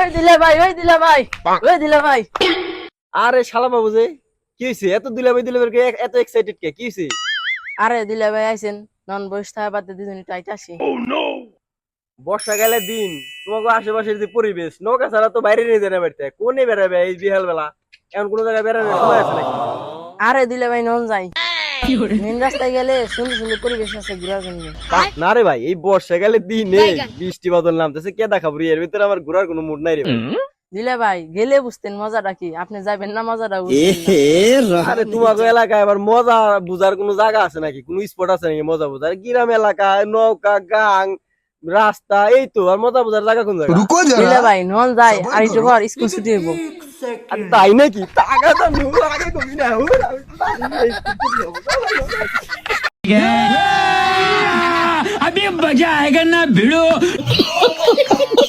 ওই দিলে ভাই আরে শালা বাবু যে কি হইছে এত দুলাভাই কে এত এক্সাইটেড কে কি হইছে? আরে দিলে ভাই আইছেন নন বয়স থাকা বাদে দুজনে টাইট আসি বর্ষাকালের দিন তোমাকে আশেপাশের যে পরিবেশ নৌকা ছাড়া তো বাইরে নিয়ে যাবে বাড়িতে কোনে বেড়াবে এই বিহাল বেলা এমন কোন জায়গায় বেড়ানোর সময় আছে নাকি? আরে দিলে ভাই নন যাই মেন রাস্তায় গেলে সুন্দর সুন্দর পরিবেশ আছে ঘোরার জন্য না রে ভাই এই বর্ষাকালের দিনে বৃষ্টি বাদল নামতেছে কে দেখাবো এর ভিতরে আমার ঘোরার কোনো মুড নাই রে ভাই। দিলে ভাই গেলে বুঝতেন মজাটা কি আপনি যাবেন না মজাটা বুঝতেন না। আরে তোমাকে এলাকায় আবার মজা বুঝার কোনো জায়গা আছে নাকি কোনো স্পট আছে নাকি মজা বুঝার গ্রাম এলাকা নৌকা গাং রাস্তা এই তো আর মজা বুঝার জায়গা কোন জায়গা? रुको দিলে जरा ভাই নন যাই আর একটু পর স্কুল ছুটি হইব আরে তাই নাকি টাকা তো আগে কবি না अभी मजा आएगा ना भिड़ो